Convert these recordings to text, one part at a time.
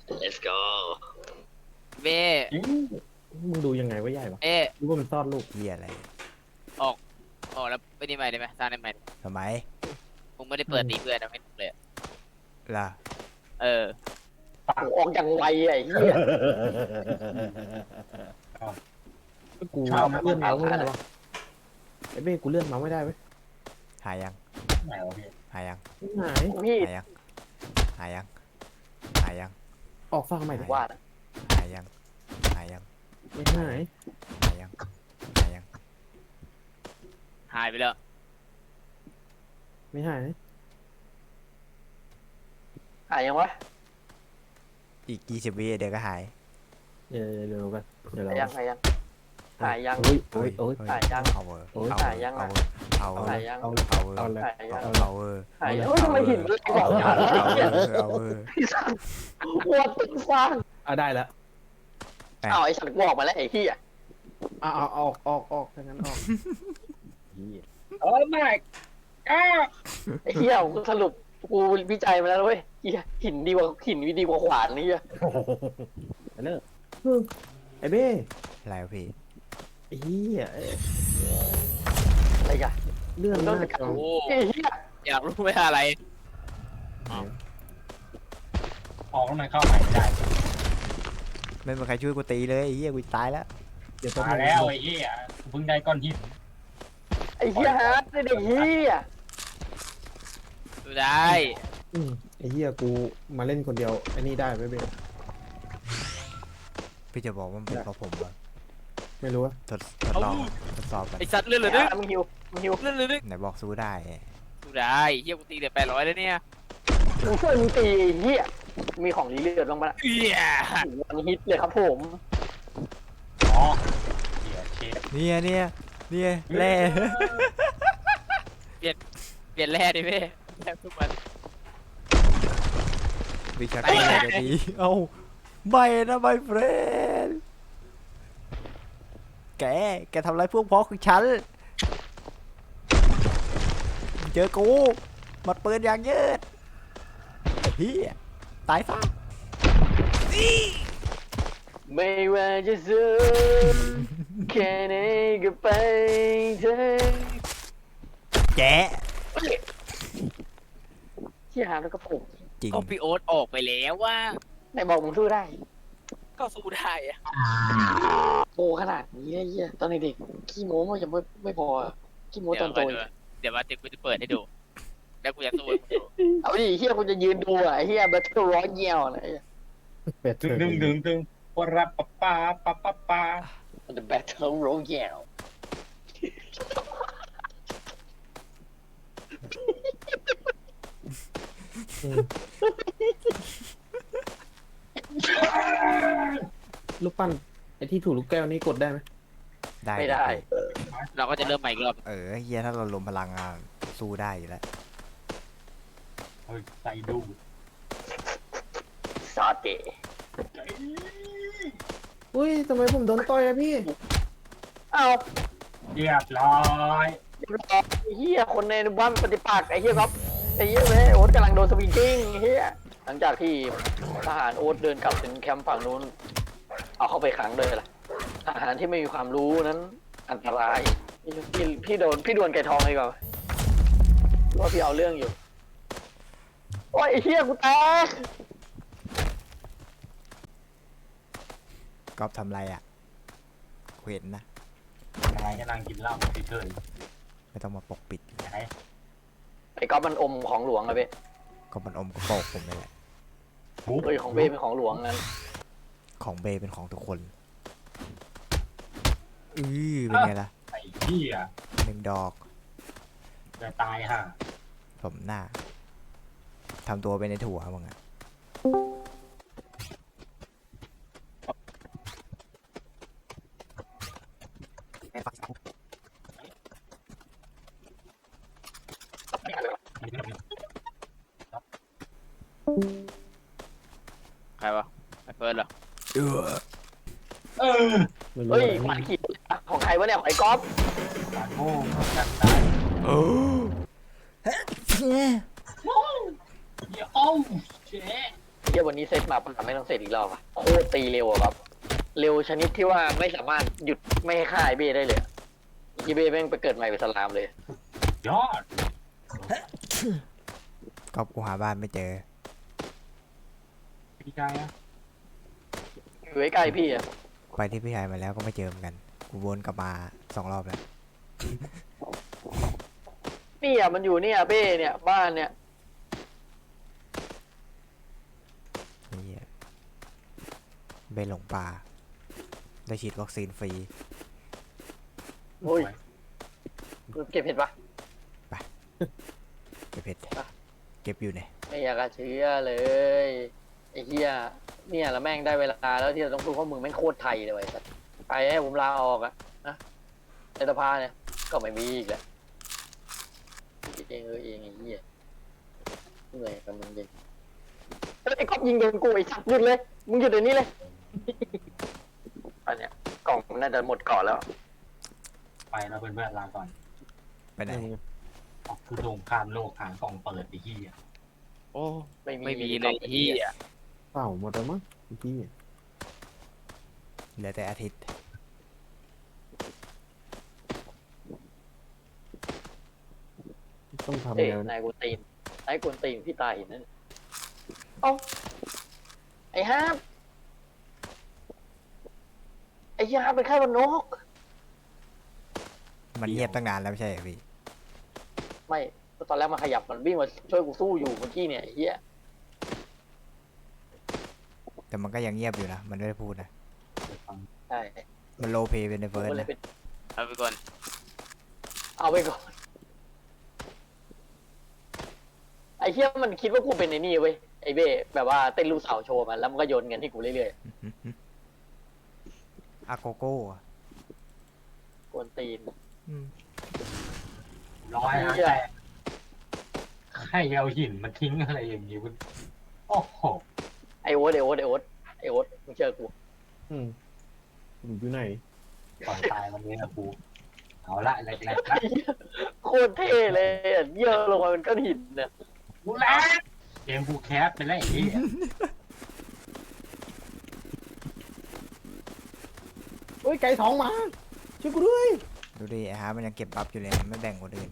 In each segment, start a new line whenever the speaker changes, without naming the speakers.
let's go
เบ้
มึงดูยังไงว่าใหญ่ปะ
เบ้
รู้ว่ามันซ่อนลูก
เหี้ยอะไร
ออกแล้วไปนี่ใหม่ได้ไหมสร้างได้ไหม
ทำไม
มึงไม่ได้เปิดตีเพื่อนนะไม่ถูกเลย
ล่ะ
เออ
ออกอย่างไวไอ้เหี้ย
กูเลื่อนเมาส์ไม่ได้วะไอ้เบ้กูเลื่อนเมาส์ไม่ได้เว้ย
หายยัง
ไหนวะพี่
หายยัง
ไม่หาย
พี่
หายยังหายยังหายยัง
ออกฟังใหม่ดิ
ว่า
หายยังหายยัง
ไม่หาย
หายยังหายยัง
หายไปแล้ว
ไม่หาย
หายยังวะ
อีก20 วิเดี๋ยวก็หาย
เดี๋ยวกันเดี๋ยว
หายยั
เรา
งหายยังหายยัง
โอ้ยโอ้ย
หายยัง
เอาเวอร์
โอ้ย
เอา
หายยัง
เอา
อะ
เอา
หายยัง
เอา
เอาเวอร์
เอาเลย
หายยัง
เอาเวอร์
หายยังเฮ้ยทำไมหินมันบอกอย่างนั้น
เอาเวอร์
พี่สังปวดตึงฟัง
ได้แล้ว
อ้าวไอ้สัตว์บอกมาแล้วไอ้เหี้ย
เอาออกถ้างั้นออก
โอ้ไม่ก้า
ไอ้เหี้ยกูสรุปกูวิจัยมาแล้วเว้ยเหี้ยหินดีกว่าขวานนี่เหี้ย
ไปเลิกไอ้เบ้
อะไรวะพี่
ไอ้เหี้ย
อะไรกัน
เลื่อนหน้าจอ
โอ้
ไอ้เหี้ย
อยากรู้ไหมอะไร
ออกแล้วมันเข้าใหม่ไม่ได้
ไม่มีใครช่วยกูตีเลยไอ้เหี้ยกูตายแล้ว
เดี๋ยว
มาแล้วไอ้เหี้ยเพิ่งได้ก้อนหิน
ไอ้เหี้ยฮะไอ้เด็กเหี้ย
ดูได้
ไอ้เหี้ยกูมาเล่นคนเดียวไอ้นี่ได้ไหมเบ้
พี่จะบอกว่ามันเป็นเพราะผมเหรอ
ไม่รู้ว่า
ทดลองทดสอบกัน
ไอสัตว์เลื่อนเลยนึก
มึงหิว
เลื่อนเลยนึก
ไหนบอกสู้ได้
ดูได้เฮียกูตีเดี๋ยว800แล้วเนี่ย
มึงช่วยมึงตีไอ้เหี้ยมีของดีเลือดบ้างปะล่ะ
เอีย
วันฮิตเลยครับผม
อ๋อเหี้ยเชฟ
เนี่ยแร่
เปลี่ยนแร่ดิเบ้แร่ทุกวัน
วิชาการอะไรดีเอ้าไม่นะไม่เฟรนแกทำอะไรพวกพ้องของฉันเจอกูหมัดปืนอย่างยืดไอ้เหี้ยตายซะ
ไม่ว่าจะสู้แค่ไหนก็ไปเถอะ
แกะ
ที่หาแล้วก็ปลุก
จริง
ก็พี่โอ๊ตออกไปแล้วว่า
ไหนบอกมึงสู้ได้
ก็สู้ได้อะ
โตขนาดนี้ไอ้เหี้ยตอนเด็กๆขี้โม้มันจะไม่พอขี้โม้ตอนโตอีก
เดี๋ยวมาติกูจะเปิดให้ดูแล้วกูจะสู้ให้มึงดู
เอาดิเฮียกูจะยืนดูอ่ะไอ้เฮียแบทเทิลร้อยเยี่ยวอะไร
เป็ด
ดึงปะรับปะปาปะปะปา
มันจะแบทเทิลร้อยเยี่ยว
ลูกปั้นไอ้ที่ถูกลูกแก้วนี่กดได้ไหม
ได้
ไม่ได้
เราก็จะเริ่มใหม่อีกรอบ
เฮียถ้าเรารวมพลังงานสู้ได้อยู่แล้ว
เฮ้ยใส่ดู
ซาเตะ
อุ้ยทำไมผมโดนต่อยอะพี่
เอ้า
เรียบร้อย
ไอ้เฮียคนในบ้านปฏิปักษ์ไอ้เฮียครับไอ้เฮียเว้ยโอ๊ตกำลังโดนสวิงกิ้งไอ้เฮียหลังจากที่ทหารโอ๊ตเดินกลับถึงแคมป์ฝั่งนู้นเอาเข้าไปขังเลยล่ะทหารที่ไม่มีความรู้นั้นอันตรายพี่โดนไก่ทองเลยก่อนว่าพี่เอาเรื่องอยู่โอ้ยไอ้เฮียกูแตก
ก๊อฟทำไรอ่ะกูเห็นนะ
อะไรกำลังกินเหล้าเฉย
ไม่ต้องมาปกปิด
ๆไหน
ไอ้ก๊อฟมันอมของหลวงอะเบ้
ก็มันอมกระโปกผมนี่แหละ
เฮ้ยของเบ้เป็นของหลวงนั้น
ของเบย์เป็นของทุกคนเป็นไงล่ะ
ไอ้เหี้ย
1 ดอก
จะตายห่า
ผมหน้าทำตัวเป็นในถั่วมึงอะ
ใครวะไอเฟิร์สเหรอ
เออ
ไม่รู้
เฮ้ย
อะไร
ขวานขีดของใครวะเนี่ยของไอ้ก๊อฟ
ปาโง่กันตาย
โอ้
เหี้ยโอ้เจ๊
ไอ้เหี้ยวันนี้เซตมาปะไม่ต้องเซตอีกรอบอ่ะโคตรตีเร็วอะครับเร็วชนิดที่ว่าไม่สามารถหยุดไม่ให้ฆ่าไอ้เบ้ได้เลยอะไอ้เบ้แม่งไปเกิดใหม่เป็นสลามเลย
ยอด
ก็กูหาบ้านไม่เจอ
พี่ใจอ่ะ
อยู่ใกล้ๆพี่อะ
ไปที่พี่ชายมาแล้วก็ไม่เจอเหมือนกัน กูวนกลับมา2 รอบแล้ว
นี่อะมันอยู่เนี่ยเบ้เนี่ยบ้านเนี่ย
นี่ไปหลงป่า ได้ฉีดวัคซีนฟรี
โอ้ยเก็บเห็ดปะ
เก็บเห็ดเก็บอยู่เนี่ย
ไม่อยากจะเชื่อเลยไอ้เหี้ยเนี่ยแล้วแม่งได้เวลาแล้วที่เราต้องพูดข้อมึงแม่งโคตรไทยเลยไอ้สัสไปให้ผมลาออกอะนะในสภาเนี่ยก็ไม่มีอีกแล้วเองไอ้เหี้ยเหนื่อยกับมึงจริงไอ้ก๊อฟยิงโดนกูไอ้สัตว์หยุดเลยมึงหยุดเดี๋ยวนี้เลยอันเนี้ยกล่องมันน่าจะหมดก่อนแล้ว
ไปแล้วเพื่อนๆลาก่อน
ไปไหน
ออกคือโรงข้ามโลกหากล่องเปิดไปที่
โอ้
ไม่มี
ไม่มีเลยเฮีย
เปล่าหมดแล้วมั้งพี่
เหลือแต่อาทิตย์
ต้องทำ
เอ้ย
ไงวะ
นายกวนตีนนายกวนตีนพี่ตายเห็นนั่นเอ้าไอ้ฮาบไอ้ฮาบเป็นแค่วันนก
มันเงียบตั้งนานแล้วไม่ใช่เหรอพี่
ไม่ตอนแรกมันขยับมันวิ่งมาช่วยกูสู้อยู่เมื่อกี้เนี่ยไอ้เฮีย
แต่มันก็ยังเงียบอยู่นะ มันไม่ได้พูดนะ
ใช่
มันโลเพเป็นใน
ผม
เฟิร์ส
ก็เลย
นะ
เป็น
เอาไปก่อน
เอาไปก่อนไอ้เฮียมันคิดว่ากูเป็นไอ้นี่เว้ยไอ้เบ้แบบว่าเต้นลูกสาวโชว์มันแล้วมันก็โยนเงินให้กูเรื่อย
อาโกโก้อะ
ๆกวนตีน
อืม
ร้อยนะแต่ใครเอาหินมาทิ้งอะไรอย่างนี้คุณโอ้โห
ไอโอ๊ตไอโอ๊ตไอโอ๊ตไอโอ๊ตมึงเจอกู
อยู่ไหน
ก่อนตายวันนี้นะกูเอาละแรกๆละ
โคตรเท่เลยอะเยี่ยวลงมาเป็นก้อนหินเนี่ย
กูแล้วเกมกูแคสไปแล้วไอ้เหี้ย
เฮ้ยไก่ท้องมาช่วยกูด้วย
ดูดิไอ้ฮาร์ดมันยังเก็บบัฟอยู่เลยมันไม่แบ่งคนอื่น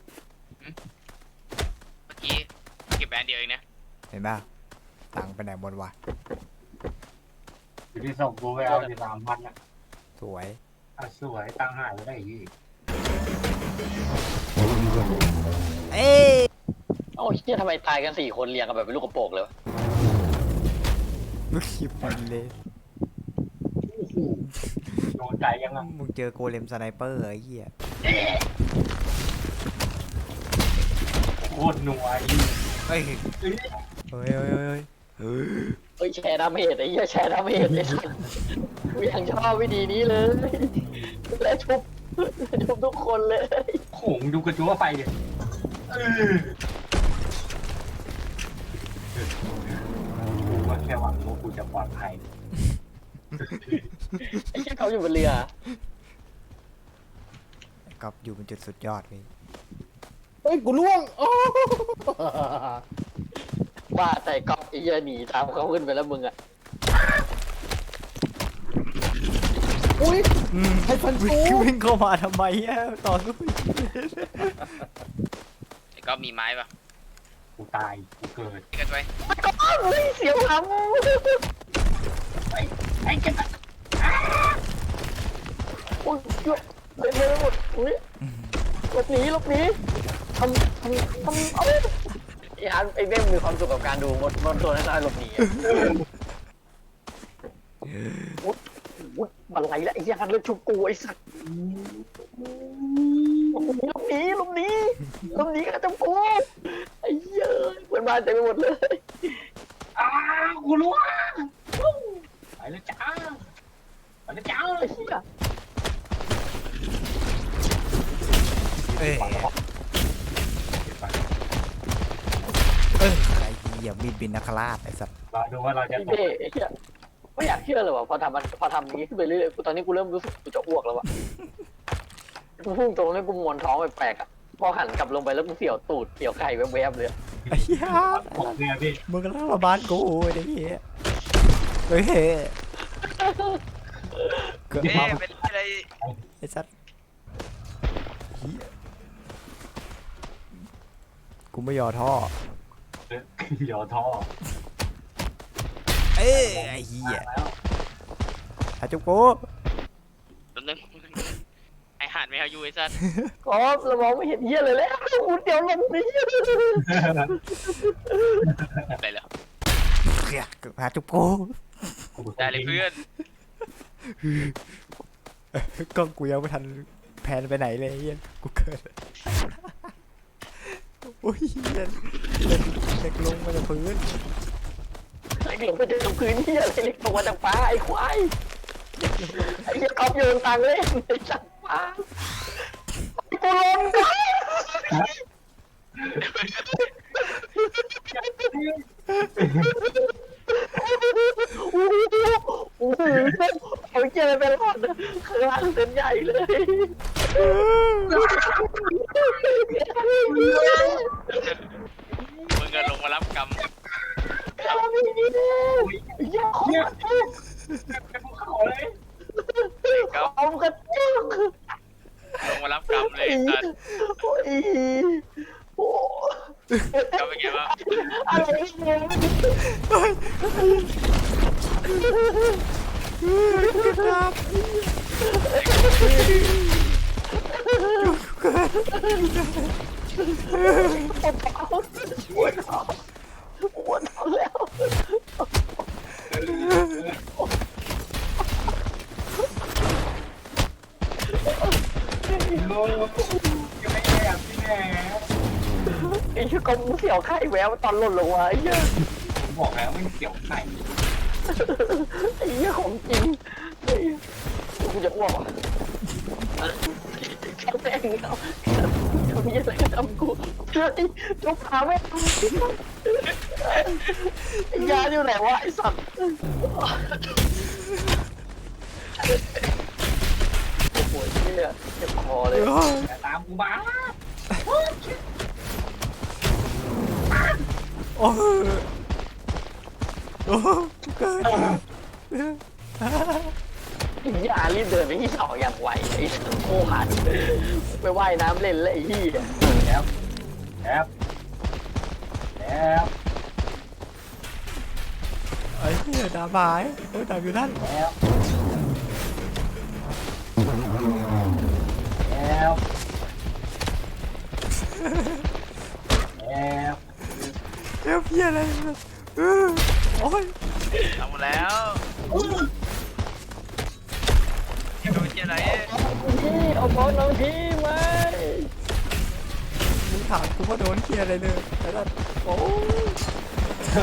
เมื่อกี้เก็บแบรนด์เดียวเองนะ
เห็นป่ะตังค์ไปไหนหมดวะ
อยู่ที่ส่งกูไปเอาที่3,000นะ
สวย
อ่ะสวยตังค์หายไปได้อีก
เอ้ย
เอ้าเฮียทำไมตายกัน4 คนเรียงกันแบบเป็นลูกกระโปรงเลยวะ
มึงคิดมันเลย
โอ้โหโดนใจยังอ่ะ
มึงเจอโกเลมสไนเปอร์ไอ้เหี้ย
โคตรหนัวไอ้เหี้ย
เฮ้ย
เอ้ย
เฮ้ยเฮ้ยเฮ้ยเฮ้ย
เฮ้ยแชร์ดาเมจไอ้เหี้ยแชร์ดาเมจไอ้สัสกูยังชอบวิธีนี้เลยและชุบทุกคนเลย
โขงดูกระจัวไฟดิเออกูว่าแค่หวังว่ากูจะปลอดภัย
ไอ้เหี้ยเขาอยู่บนเรือ
กับอยู่เป็นจุดสุดยอดเลย
เฮ้ยกูล่วงโอ้
ว่าแต่ก๊อฟไอ้เหี้ยหนีตามเขาขึ้นไปแล้วมึงอะ
อุ้ยใครฟันกู
วิ่งเข้ามาทำไมอะต่อสู้
ไอ้ก็มีไม้ปะ
กูตายกูเกิด
กันไว้
ก๊อฟเฮ้ยเสียวห
ไอ้เจ้า
ำโอ้ยเยอะเต็มไปหมดอุ้ยหลบหนีทำเอาไอ้ฮันไอ้เบ้มมีความสุขกับการดูมดตัวน้อยๆหลบหนีอะวุ้ดบันไลแล้วไอ้เหี้ยฮันเลือดชุบกูไอ้สัตว์หลบหนีกันจังกูไอ้เหี้ยเพื่อนบ้านเต็มไปหมดเลย
อ้าวกูรู้ไปแล้วจ้าไปแล้วจ้า
ไอ้เหี้ย
เอ้ย
ไป
เอ้ยไอ้เหี้ยมีดบินนักคราชไอ้สัตว์
รอดูว่าเราจะ
ไอ้
ตก
เบ้ไอ้เหี้ยไม่อยากเชื่อเลยว่ะพอทำอย่างนี้ขึ้นไปเรื่อยๆตอนนี้กูเริ่มรู้สึกกูจะอ้วกแล้วว่ะกูพุ่งตรงนี้กูมวนท้องแปลกๆอ่ะพอหันกลับลงไปแล้วกูเสียวตูดเสียวไข่แวบๆเลย
ไอ้เหี้ย
บอกเนี่ยพี่
มึงกำลังมาบ้านกูไอ้เหี้ยเฮ้ยเกิด
เอ๊ะเป็นอะไร
ไอ้สัตว์เหี้ยกูไม่ยอท่อ
หยอท่อ
เอ้ยไอ้เหี้ย
แล้ว
อาจุกกู
ตัวนึงไอหันไม่เอาอยู่ไอ้สัส
อ๋อเรามองไม่เห็นเหี้ยเลยแล้วกูเดี๋ยวลงนี่
อะไรเหรอ
อาจุกกู
ได้เลยเพื่อน
กล้องกูยังไม่ทันแพนไปไหนเลยไอ้เหี้ยกูเกิดโอ้ยเหี้ยเด็กลงมาจากพื้น
ไอ้หลงไปถึงพื้นเหี้ยอะไรเล็กตกมาจากฟ้าไอ้ควายไอ้เหี้ยก๊อฟโยนตังค์เล่นไอ้จังฟ้ากูลงกันโอ้โหเอาเจอไปรอดนะข้างล่างเส้นใหญ่เลย
มึงก็ลงมารับกรรม
อย่าขอ
เป็นภูเขาเลย
เอากระเจ้า
ลงมารับกรรมเลยไอ้สัส
โอ้ยโอ้
ก็เป็นไงบ้าง
อะไรเนี่ย ปวดท้องแล้ว
โลยังไม่แอบพี่แหน
ไอ้ชื่อกองเสียวไข่แววตอนหล่นลงมาไอ้เหี้ย
ผมบอกแล้วไม่เกี่ยวไข่
ไอ้เหี้ยของจริงไอ้เหี้ยกูจะอ้วกว่ะเขาแม่งเขาเขาไม่ใช่อะไรทำกูเฮ้ยจกขาไม่ทำไอ้ยาอยู่ไหนวะไอ้สัตว์โอ้โหเหี้ยเจ็บคอเลย
แต่ตามกูบ้า
โอ้โอ้เกิด
อย่ารีบเดินไปที่เสาอย่างไวไอ้โคหันไปว่ายน้ำเล่นเลยไอ้เหี้ย
แอบแอบแอบ
ไอ้เหี้ยดาบหายโอ้ยดาบอยู่นั่น
แอบแอบแอบ
เจ้าเพี้ยอะไรเนี่ยโอ้ย
ทำหมดแล้วดูเจ๊อะไร
พี่เอาบอลน้องพี่ไหม
มึงถามกูว่าโดนเพี้ยอะไรเลยแล้วก็โอ้ย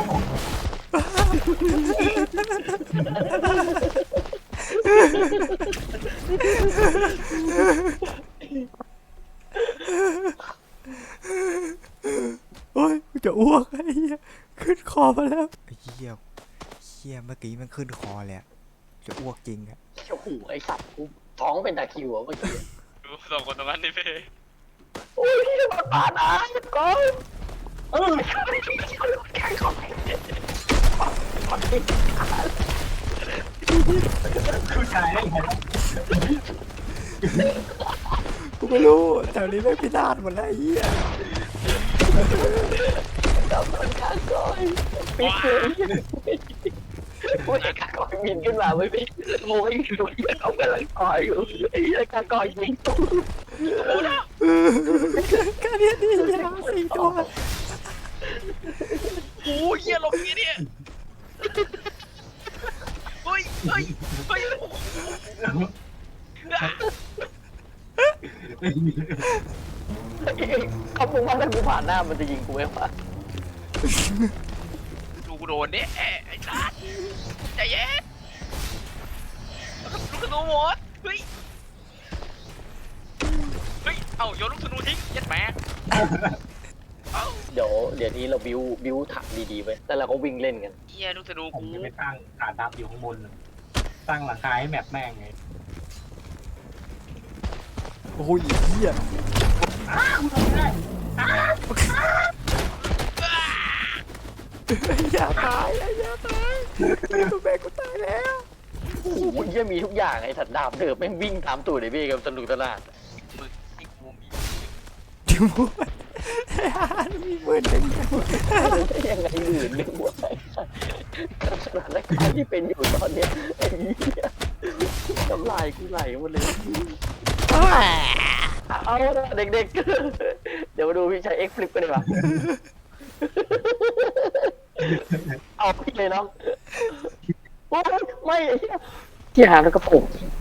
โอ้ยกูจะอ้วกไอ้เหี้ยขึ้นคอมาแล้วไอ้เหี้ยเมื่อกี้มันขึ้นคอเลยอะจะอ้วกจริงอะ
โอ้โหไอ้สัตว์กูท้องเป็นตะคริวอ่ะเมื่อกี้
ดูสองคนตรงนั้นดิเพ่
โอ้ยพี่มันปาดอ่ะก้อนแข่งของ
ผู้ชายได้ไง
กูไม่รู้แถวนี้ไม่พินาศหมดแล้วไอ้เหี้ย
จับมันขาก้อยปิดเลยโอ้ยขาก้อยบินขึ้นมาไม่ปิดโอ้ยดูที่เขากำลังต่อยอยู่ไอ้ขาก้อยยิงตู้
แค่นี้นี่ยาสี่ตัว
โอ้ยเหี้ยลงอย่างนี้เนี่ยเฮ้ยเฮ้ยเฮ้ย
เขาพูดว่าถ้ากูผ่านหน้ามันจะยิงกูไหมวะ
ดูกูโดนเนี่ยไอ้สัสใจเย็นลูกธนูหมดเฮ้ยเฮ้ยเอ้าโยนลูกธนูทิ้งยัดแม่เอ้า
เดี๋ยวนี้เราบิวถักดีๆไปแต่เราก็วิ่งเล่นกัน
เหี้ยลูกธนู
ผม
กู
จะไปตั้งฐานทัพอยู่ข้างบนตั้งหลังคาให้แมปแม่งไง
โอ้ยเหี้ย
ต
อย่าตายอย่าตายตัวแบกกูตายแล้ว
โอ้โหเหี้ยมีทุกอย่างไอ้สัตว์ดาบเดิมแม่งวิ่งตามตูดไอ้เบ้กับสนุกสนาน
มึงที่กูมี
จิ๋วมีหมื่นหนึ่ง
ได้ยังไงหมื่นหนึ่งวะสถานการณ์ที่เป็นอยู่ตอนเนี้ยไอ้เหี้ยน้ำลายกูไหลหมดเลยเอาละเด็กๆเดี๋ยวมาดูพี่ชายเอ็กฟลิปกันดีกว่าเอาพี่เลยน้องโอ๊ยไม่ไอ้เหี้ยที่หาแล้วก็ผม